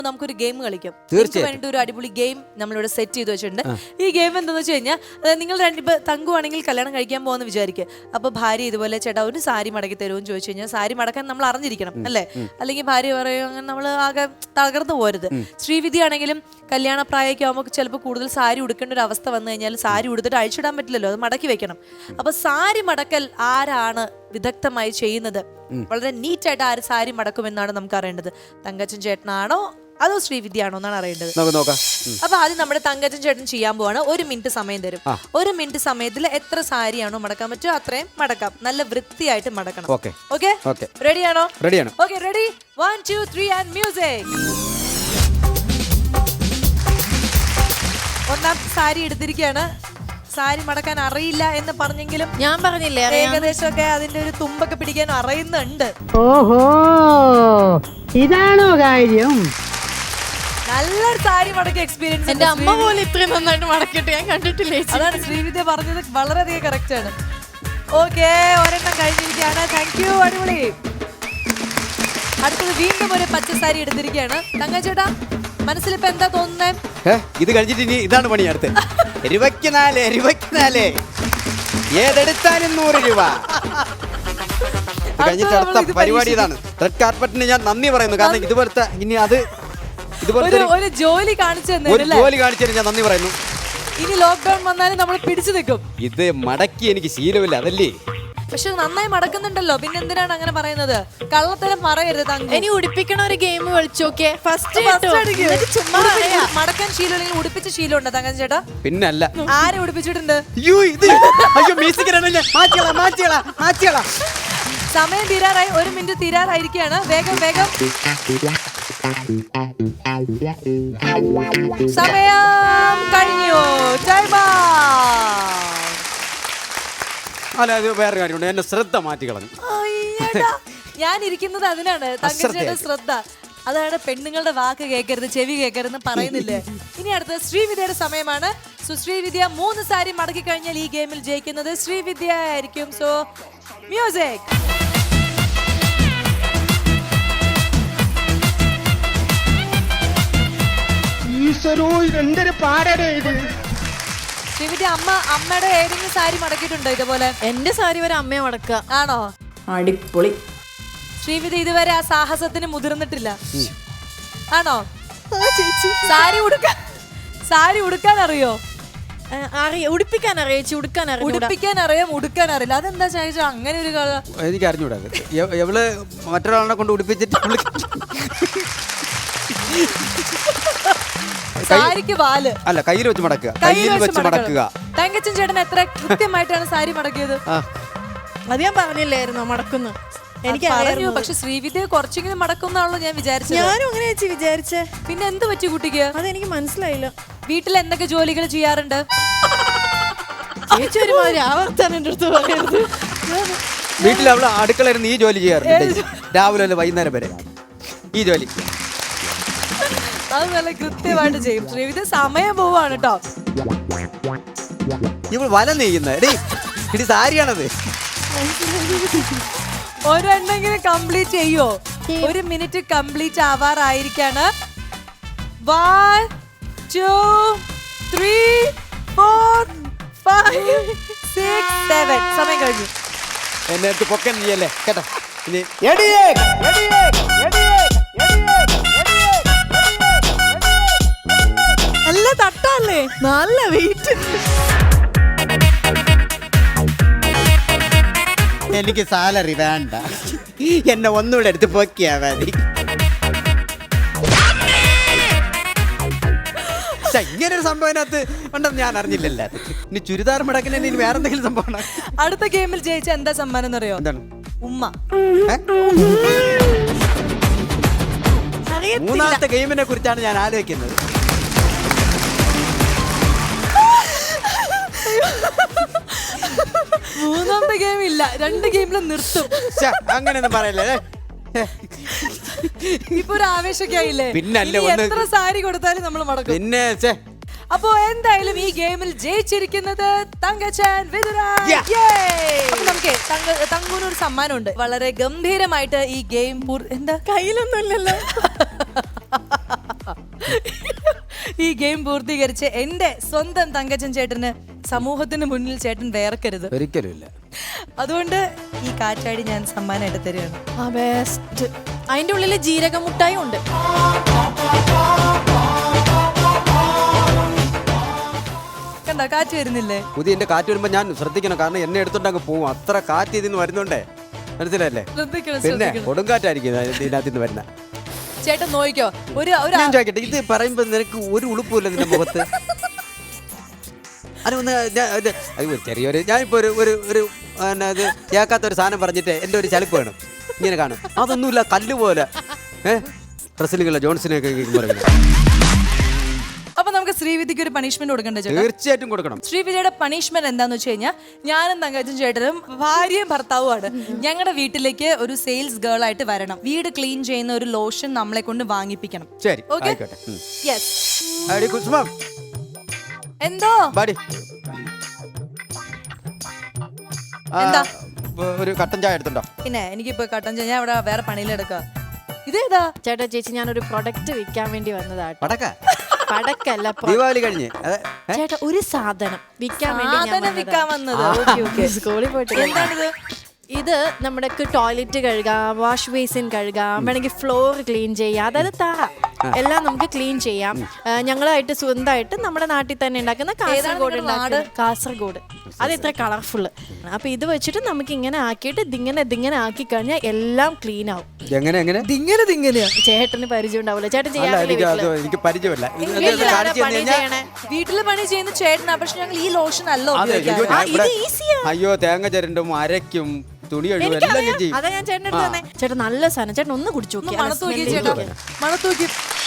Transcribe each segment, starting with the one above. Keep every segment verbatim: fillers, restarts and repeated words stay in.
നമുക്കൊരു ഗെയിം കളിക്കാം. തീർച്ചയായും വേണ്ടി ഒരു അടിപൊളി ഗെയിം നമ്മളിവിടെ സെറ്റ് ചെയ്ത് വെച്ചിട്ടുണ്ട്. ഈ ഗെയിം എന്താണെന്ന് വെച്ച് കഴിഞ്ഞാൽ നിങ്ങൾ രണ്ടിപ്പോ തങ്കുവാണെങ്കിൽ കല്യാണം കഴിക്കാൻ പോകുന്ന വിചാരിക്കുക. അപ്പൊ ഭാര്യ ഇതുപോലെ ചേട്ടാ ഒരു സാരി മടക്കി തരുമെന്ന് ചോദിച്ചു കഴിഞ്ഞാൽ സാരി മടക്കാൻ നമ്മൾ അറിഞ്ഞിരിക്കണം അല്ലേ? അല്ലെങ്കിൽ ഭാര്യ പറയും അങ്ങനെ നമ്മൾ ആകെ തകർന്നു പോരുത്. ശ്രീവിധി ആണെങ്കിലും കല്യാണ പ്രായമൊക്കെ ആകുമ്പോൾ ചിലപ്പോൾ കൂടുതൽ സാരി ഉടുക്കേണ്ട ഒരു അവസ്ഥ വന്നു കഴിഞ്ഞാൽ സാരി ഉടുത്തിട്ട് അഴിച്ചിടാൻ പറ്റില്ലല്ലോ, അത് മടക്കി വെക്കണം. അപ്പൊ സാരി മടക്കൽ ആരാണ് വിദഗ്ധമായി ചെയ്യുന്നത്, വളരെ നീറ്റായിട്ട് ആര് സാരി മടക്കുമെന്നാണ് നമുക്ക് അറിയേണ്ടത്. തങ്കച്ചൻ ചേട്ടനാണോ അതോ ശ്രീവിദ്യയാണോ എന്നാണ് അറിയേണ്ടത്. അപ്പൊ ആദ്യം നമ്മുടെ തങ്കച്ചൻ ചേട്ടൻ ചെയ്യാൻ പോവാണ്. ഒരു മിനിറ്റ് സമയം തരും. ഒരു മിനിറ്റ് സമയത്തിൽ എത്ര സാരിയാണോ മടക്കാൻ പറ്റുമോ അത്രയും മടക്കാം. നല്ല വൃത്തിയായിട്ട് മടക്കണം. ഓക്കെ, റെഡിയാണോ? റെഡിയാണ്. Okay, ready, one two three and music. ഒന്നാം സാരി എടുത്തിരിക്കുകയാണ്. സാരി മടക്കാൻ അറിയില്ല എന്ന് പറഞ്ഞെങ്കിലും ഞാൻ പറഞ്ഞില്ലേ ഏകദേശമൊക്കെ അതിന്റെ ഒരു തുമ്പൊക്കെ പിടിക്കാൻ അറിയുന്നുണ്ട്. ഓഹോ, ഇതാണോ കാര്യം? നല്ലൊരു സാരി മടക്കി എക്സ്പീരിയൻസ്. എന്റെ അമ്മ പോലെ ഇത്രയും നന്നായിട്ട് മടക്കിയിട്ട് ഞാൻ കണ്ടിട്ടില്ലേ. അതാണ് ശ്രീവിദ്യ പറഞ്ഞത്, വളരെയധികം കറക്റ്റ് ആണ്. ഓക്കെ, ഒരെണ്ണം കഴിഞ്ഞിരിക്കുകയാണ്. താങ്ക് യു, അടിപൊളി. അടുത്തത് വീണ്ടും ഒരു പച്ച സാരി എടുത്തിരിക്കുകയാണ്. തങ്കച്ചേട്ടാ മനസ്സിലിപ്പോ എന്താ തോന്നുന്നേ? ഇത് കഴിഞ്ഞിട്ട് ഇനി ഇതാണ് പണി. അടുത്ത് ഇരുപത്തിനാല് ഇരുപത്തിനാല് ഏതെടുത്താലും നൂറ് രൂപ കഴിഞ്ഞിട്ട് അടുത്ത പരിപാടി ഇതാണ്. റെഡ് കാർപ്പറ്റിന് ഞാൻ നന്ദി പറയുന്നു. കാരണം ഇതുപോലത്തെ ഇനി അത് ഇതുപോലത്തെ ഒരു ജോലി കാണിച്ചു ഒരു ജോലി കാണിച്ചതിന് ഞാൻ നന്ദി പറയുന്നു. ഇനി ലോക്ക്ഡൌൺ വന്നാലും നമ്മൾ പിടിച്ചു നിൽക്കും. ഇത് മടക്കി എനിക്ക് ശീലമില്ല, അതല്ലേ. പക്ഷെ നന്നായി മടക്കുന്നുണ്ടല്ലോ, പിന്നെ എന്തിനാണ് അങ്ങനെ പറയുന്നത്? കള്ളത്തരം പറയരുത് തങ്ക. ഇനി ഉടിപ്പിക്കണ ഒരു ഗെയിം കളിച്ചോക്കെ. ഫസ്റ്റ് മടക്കാൻ ശീലം ഉടുപ്പിച്ച ശീലം ഉണ്ടോ തങ്കൻ ചേട്ടാ? പിന്നല്ല. ആരെ ഉടുപ്പിച്ചിട്ടുണ്ട്? സമയം തീരാറായി. ഒരു മിനിറ്റ് തീരാറായിരിക്കുകയാണ്. വേഗം വേഗം സമയം കഴിഞ്ഞു. Time out. അല്ല, അത് വേറെ കാര്യമുണ്ട്. എന്നെ ശ്രദ്ധ മാറ്റി കളഞ്ഞു. ഞാൻ ഇരിക്കുന്നത് അതിനാണ്, തങ്കച്ചേട്ടൻ ശ്രദ്ധ. അതാണ് പെണ്ണുങ്ങളുടെ വാക്ക് കേൾക്കരുത്, ചെവി കേൾക്കരുതെന്ന് പറയുന്നില്ലേ. ഇനി അടുത്തത് ശ്രീവിദ്യയുടെ സമയമാണ്. സോ ശ്രീവിദ്യ മൂന്ന് സാരി മടക്കി കഴിഞ്ഞാൽ ഈ ഗെയിമിൽ ജയിക്കുന്നത് ശ്രീവിദ്യ ആയിരിക്കും. So music. ശ്രീവിദ്യ അമ്മ അമ്മയുടെ ഏതെങ്കിലും സാരി മടക്കിയിട്ടുണ്ടോ ഇതുപോലെ? എന്റെ സാരി വരെ അമ്മയെ മടക്കുക. ആണോ? അടിപൊളി. ശ്രീവിദ്യ ഇതുവരെ ആ സാഹസത്തിന് മുതിർന്നിട്ടില്ല, ആണോ? സാരി ഉടുക്കാൻ സാരി ഉടുക്കാൻ അറിയോ? അറിയാം, ഉടുപ്പിക്കാൻ അറിയാം ചേച്ചി. ഉടുക്കാൻ അറിയാം. ഉടുപ്പിക്കാൻ അറിയാം, ഉടുക്കാൻ അറിയില്ല. അതെന്താ ചോദിച്ചാ അങ്ങനെ ഒരു കഥ? എനിക്ക് അറിഞ്ഞൂടാ. എവള് മറ്റൊരാളെ കൊണ്ട് ഉടുപ്പിച്ചിട്ട് സാരിക്ക് വാല് അല്ല, കയ്യിൽ വെച്ച് മടക്കുക. കയ്യിൽ വെച്ച് മടക്കുക. തങ്കച്ചൻ ചേട്ടൻ എത്ര കൃത്യമായിട്ടാണ് സാരി മടക്കിയത്? അത് ഞാൻ പറഞ്ഞില്ലായിരുന്നോ മടക്കുന്നു? എനിക്ക് പറഞ്ഞു, പക്ഷെ ശ്രീവിദ്യ കുറച്ചെങ്കിലും മടക്കുന്നാണല്ലോ ഞാൻ വിചാരിച്ചത്. ഞാനും അങ്ങനെ ചേച്ചി വിചാരിച്ചേ. പിന്നെ എന്ത് പറ്റി കുട്ടിക്ക്? അതെനിക്ക് മനസ്സിലായില്ല. വീട്ടിൽ എന്തൊക്കെ ജോലികൾ ചെയ്യാറുണ്ട് ചേച്ചി? ഒരുമാതിരി ആവർത്താൻ എന്റെ അടുത്ത് പറയരുത്. വീട്ടിൽ അവള് അടുക്കളയിൽ ഈ ജോലി ചെയ്യാറുണ്ട്, രാവിലെ അല്ല വൈകുന്നേരം വരെ ഈ ജോലി. അത് നല്ല കൃത്യമായിട്ട് ചെയ്യും ശ്രീവിദ്യ. സമയം പോവാണ് കേട്ടോ. ഇവൾ വല നെയ്യുന്ന ഇടി സാരിയാണത്. ഒരെണ്ണെങ്കിലും കംപ്ലീറ്റ് ചെയ്യോ? ഒരു മിനിറ്റ് കംപ്ലീറ്റ് ആവാറായിരിക്കാണ്. One two three four five six seven. സമയം കഴിഞ്ഞു. എന്നെ അടുത്ത് പൊക്കൻ ചെയ്യല്ലേ കേട്ടോ. ഇനി നല്ല തട്ടല്ലേ, നല്ല വെയിറ്റ്. എനിക്ക് സാലറി വേണ്ട, എന്നെ ഒന്നുകൂടെ എടുത്ത് പൊക്കിയാ മതി. ഇങ്ങനെ ഒരു സംഭവം അതിനകത്ത് ഉണ്ടെന്ന് ഞാൻ അറിഞ്ഞില്ലല്ലോ. ഇനി ചുരിദാർ മടക്കിന് ഇനി വേറെ എന്തെങ്കിലും സംഭവം. അടുത്ത ഗെയിമിൽ ജയിച്ച എന്താ സമ്മാനം എന്നറിയോ? എന്താണ്? ഉമ്മ. മൂന്നാമത്തെ ഗെയിമിനെ കുറിച്ചാണ് ഞാൻ ആലോചിക്കുന്നത്. മൂന്നാമത്തെ ഗെയിം ഇല്ല, രണ്ട് ഗെയിമിലും നിർത്തും. അങ്ങനെയൊന്നും പറയല്ലേ. ഇപ്പൊ ഒരു ആവേശമൊക്കെ ആയില്ലേ? പിന്നെ എത്ര സാരി കൊടുത്താലും നമ്മൾ മടക്കും. പിന്നെ അപ്പോ എന്തായാലും ഈ ഗെയിമിൽ ജയിച്ചിരിക്കുന്നത് തങ്കച്ചൻ വിതുരായ്. നമുക്ക് തങ്കൂന് ഒരു സമ്മാനമുണ്ട്. വളരെ ഗംഭീരമായിട്ട് ഈ ഗെയിം എന്താ കയ്യിലൊന്നും ഇല്ലല്ലോ. ഈ ഗെയിം പൂർത്തീകരിച്ച് എന്റെ സ്വന്തം തങ്കച്ചൻ ചേട്ടന് സമൂഹത്തിന് മുന്നിൽ ചേട്ടൻ വേർക്കരുത്. ഒരിക്കലും ഇല്ല. അതുകൊണ്ട് ഈ കാറ്റാടി ഞാൻ സമ്മാനമായിട്ട് തരികയാണ്. ആ ബെസ്റ്റ്. അതിന്റെ ഉള്ളില് ജീരക മുട്ടായി ഉണ്ട്. കണ്ടോ കാറ്റ് വരുന്നില്ലേ? പുതിയ എന്റെ കാറ്റ് വരുമ്പോ ഞാൻ ശ്രദ്ധിക്കണം, കാരണം എന്നെ എടുത്തോണ്ട് അങ്ങ് പോവും. അത്ര കാറ്റ് ഇതിന്ന് വരുന്നുണ്ടേ, മനസ്സിലല്ലേ? ശ്രദ്ധിക്കണം, പിന്നെ ശ്രദ്ധിക്കണം. കൊടുങ്കാറ്റായിരിക്കും ഇതിനകത്ത് നിന്ന് വരുന്ന. ചേട്ടൻ നോക്കിക്കോ. ഒരു ഒരു ഞാൻ ചോദിക്കട്ടെ, ഇത് പറയുമ്പോ നിനക്ക് ഒരു ഉളുപ്പില്ല നിന്റെ മുഖത്ത്? അതൊന്ന് അയ്യോ ചെറിയൊരു ഞാനിപ്പോ ഒരു ഒരു ഒരു പിന്നെ അത് കേൾക്കാത്ത ഒരു സാധനം പറഞ്ഞിട്ട് എൻ്റെ ഒരു ചലിപ്പ് വേണം, ഇങ്ങനെ കാണും. അതൊന്നുമില്ല, കല്ല് പോലെ ഏഹ് റെസ്ലിംഗ് ജോൺസിനെയൊക്കെ പറയുന്നത്. അപ്പൊ നമുക്ക് ശ്രീവിദ്യക്ക് ഒരു പണിഷ്മെന്റ് കൊടുക്കണ്ടേ ചേട്ടാ? തീർച്ചയായിട്ടും കൊടുക്കണം. ശ്രീവിദ്യയുടെ പണിഷ്മെന്റ് എന്താന്ന് വെച്ച് കഴിഞ്ഞാൽ, ഞാനും തങ്കച്ചൻ ചേട്ടനും ഭാര്യയും ഭർത്താവുമാണ്. ഞങ്ങളുടെ വീട്ടിലേക്ക് ഒരു സെയിൽസ് ഗേൾ ആയിട്ട് വരണം. വീട് ക്ലീൻ ചെയ്യുന്ന ഒരു ലോഷൻ നമ്മളെ കൊണ്ട് വാങ്ങിപ്പിക്കണം. ശരി, ഓക്കെ? ആയിക്കോട്ടെ. ഉം. യെസ്. അടി കുസുമം, എന്തോ ബാടി. ആ, എന്താ? ഒരു കട്ടൻ ചായ എടുത്തുണ്ടോ? പിന്നെ എനിക്കിപ്പോ കട്ടൻ ചെയ്യാൻ ഇവിടെ വേറെ പണിയിലെടുക്ക. ഇതേതാ? ചേട്ടാ ചേച്ചി, ഞാനൊരു പ്രൊഡക്റ്റ് വിൽക്കാൻ വേണ്ടി വന്നതാട്ടോ. പടക്ക പടക്കല്ല, pro- ദീപാവലി കഴിഞ്ഞ് അതെ. ഏ? ചേട്ടാ ഒരു സാധനം വിൽക്കാൻ വേണ്ടി ഞാൻ സാധനം വിൽക്കാൻ വന്നതാ. വന്നത്. Okay, okay. സ്കൂളിൽ പോയിട്ട് എന്താണിത്? ഇത് നമ്മുടെ ടോയ്ലറ്റ് കഴുകാം, വാഷ് ബേസിൻ കഴുകാം, വേണമെങ്കിൽ ഫ്ലോർ ക്ലീൻ ചെയ്യാം, അതായത് തറ എല്ലാം നമുക്ക് ക്ലീൻ ചെയ്യാം. ആ, ഞങ്ങളായിട്ട് സ്വന്തമായിട്ട് നമ്മുടെ നാട്ടിൽ തന്നെ ഉണ്ടാക്കുന്ന കാസർഗോഡ് ഉണ്ടാക്കുന്ന കാസർഗോഡ് അത് ഇത്ര കളർഫുള്ള്. അപ്പൊ ഇത് വെച്ചിട്ട് നമുക്ക് ഇങ്ങനെ ആക്കിയിട്ട് ഇതിങ്ങനെ ഇതിങ്ങനെ ആക്കി കഴിഞ്ഞാൽ എല്ലാം ക്ലീൻ ആവും. എങ്ങനെ എങ്ങനെ ദിങ്ങനെ ദിങ്ങനെയാ. ചേട്ടന് പരിചയം ഉണ്ടാവില്ല, ചേട്ടൻ അല്ല, എനിക്ക് അത് ചെയ്യാറില്ല. എനിക്ക് പരിചയമില്ല. ഇത് ഇത് വീട്ടിലാരാ കാണിച്ച് പണി തന്നു കഴിഞ്ഞാൽ- ചെയ്യണേ? വീട്ടില് പണി ചെയ്യുന്ന ചേട്ടനാ, പക്ഷെ ഞങ്ങൾ ഈ ലോഷൻ അല്ല അതെ, അയ്യോ, ഉപയോഗിക്കാറ്. ഞാൻ ഇവിടെ- ഇത് ഈസിയാ. അയ്യോ തേങ്ങ ചിരണ്ടും അരയ്ക്കും തുണി കഴുകും എല്ലാം ഞാൻ ചെയ്യും. അതാ ഞാൻ ചേട്ടൻ എടുത്ത് തന്നെ. ചേട്ടൻ നല്ല സാധനം, ചേട്ടൻ ഒന്ന് കുടിച്ചു ഒന്ന് നോക്കി. മണത്ത് നോക്കി ചേട്ടാ, മണത്ത് നോക്കി.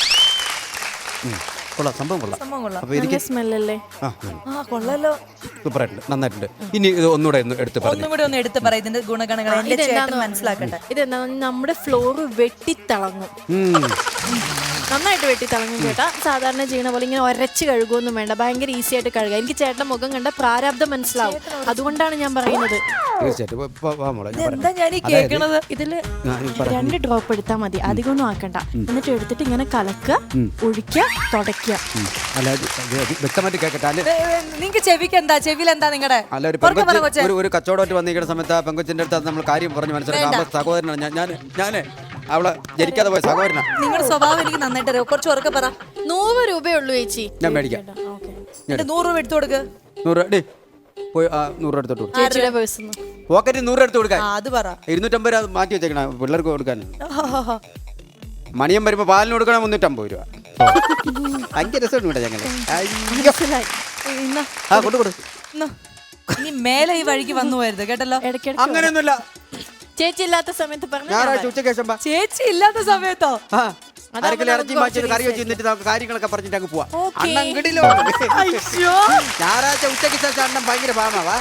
ഉം. കൊള്ളാം, സംഭവം കൊള്ളാം. സംഭവം കൊള്ളാം. അപ്പൊ എനിക്ക് സ്മെല്ലല്ലേ? ആ ആ കൊള്ളാലോ. സൂപ്പറായിട്ടുണ്ട്, നന്നായിട്ടുണ്ട്. ഇനി ഇത് ഒന്നുകൂടെ ഒന്ന് എടുത്ത് പറഞ്ഞു. ഒന്നും കൂടി ഒന്ന് എടുത്ത് പറ ഇതിന്റെ ഗുണഗണങ്ങൾ എന്റെ ചേട്ടൻ മനസ്സിലാക്കട്ടെ. ഇതെന്താ, നമ്മുടെ ഫ്ലോർ വെട്ടിത്തിളങ്ങും, നന്നായിട്ട് വെട്ടിത്തിളങ്ങും ചേട്ടാ. സാധാരണ ചെയ്യണ പോലെ ഇങ്ങനെ ഒരച്ച് കഴുകുമൊന്നും വേണ്ട, ഭയങ്കര ഈസി ആയിട്ട് കഴുകാം. എനിക്ക് ചേട്ടന്റെ മുഖം കണ്ട പ്രാരാബ്ദം മനസ്സിലാവും, അതുകൊണ്ടാണ് ഞാൻ പറയുന്നത്. തീർച്ചയായിട്ടും വാ, വാ, വാ മോളെ, ഞാൻ എന്താ പറയാം. ഞാൻ ഈ കേൾക്കണത്? ഇതില് ആ, ഈ പറ. രണ്ട് ഡ്രോപ്പ് എടുത്താൽ മതി, അധികമൊന്നും ആക്കണ്ട. എന്നിട്ട് എടുത്തിട്ട് ഇങ്ങനെ കലക്കുക, ഒഴിക്കുക, തുടയ്ക്കുക. ഉം. അല്ല അത് അത് അത് വ്യക്തമായിട്ട് കേൾക്കട്ടെ. അല്ല നിങ്ങക്ക് ചെവിക്ക് എന്താ, ചെവിയിൽ എന്താ നിങ്ങളുടെ? അല്ല ഒരു പെങ്കൊച്ച് ഒരു ഒരു കച്ചവടമായിട്ട് വന്നിരിക്കുന്ന സമയത്ത് ആ പെങ്കൊച്ചിന്റെ അടുത്ത് അത് നമ്മൾ കാര്യം പറഞ്ഞ് മനസ്സിലാക്കാം. അവളെ സഹോദരനാണ് ഞാൻ ഞാൻ ഞാന് അവളെ ജനിക്കാതെ പോയ സഹോദരനാണ്. നിങ്ങളുടെ സ്വഭാവം എനിക്ക് നന്നായിട്ട് അറിയാം. കുറച്ച് ഉറക്കെ പറ. നൂറ് രൂപയുള്ളൂ ചേച്ചി. ഞാൻ മേടിക്കാം. ഓക്കെ, എന്റെ നൂറ് രൂപ എടുത്തു കൊടുക്ക്. നൂറ് ഡേ പോയി ആ നൂറ് രൂപ എടുത്തോട്ട് കൊടുക്കും. ചേച്ചിയുടെ പേഴ്സ് പോക്കറ്റിൽ നൂറ് എടുത്ത് കൊടുക്കാൻ. ആ, അത് പറ. ഇരുന്നൂറ്റമ്പത് രൂപ മാറ്റി വെച്ചേക്കണം പിള്ളേർക്ക് കൊടുക്കാൻ. മണിയം വരുമ്പോ പാലിന് കൊടുക്കണം മുന്നൂറ്റമ്പത് രൂപ. ഭയങ്കര രസമുണ്ട് ഇവിടെ ഞങ്ങള്. മനസ്സിലായി. ആ കൊണ്ടു കൊടു. ഇന്ന് ഇനി മേലെ ഈ വഴിക്ക് വന്നു പോയത് കേട്ടല്ലോ. ഇടയ്ക്കിടയ്ക്ക് അങ്ങനെയൊന്നുമില്ല, ചേച്ചി ഇല്ലാത്ത സമയത്ത് പറഞ്ഞു ഞായറാഴ്ച ഉച്ചയ്ക്ക് ശേഷം വാ. ചേച്ചി ഇല്ലാത്ത സമയത്തോ? ആ അരക്കിലെ ഇറച്ചി മാറ്റി കറി വെച്ച് നിന്നിട്ട് നമുക്ക് കാര്യങ്ങളൊക്കെ പറഞ്ഞിട്ട് അങ്ങ് പോവാം. ഓക്കേ. അണ്ണൻ കിടിലോ. ഞായറാഴ്ച ഉച്ചയ്ക്ക് ശേഷം അണ്ണൻ ഭയങ്കര പാമാവാ.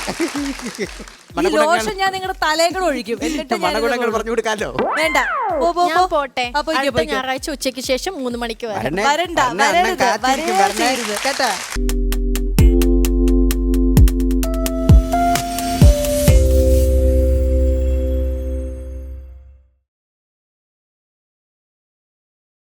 ഈ ലോഷൻ ഞാൻ നിങ്ങളുടെ തലേക്കൂടെ ഒഴിക്കും. എന്നിട്ട് ഞാൻ മണഗുണങ്ങൾ പറഞ്ഞു കൊടുക്കാലോ. വേണ്ട. പോ, പോ, ഞാൻ പോ. പോട്ടെ. ആ, പോയിക്കോ, അടുത്ത പോയിക്കോ. ഞായറാഴ്ച ഉച്ചയ്ക്ക് ശേഷം മൂന്ന് മണിക്ക് വരാം. വരണേ. വരണ്ട, അണ്ണൻ വരരുത്, കാത്തിരിക്കും, വരേ വരണേ. ചെയ്യരുത്. കേട്ടാ.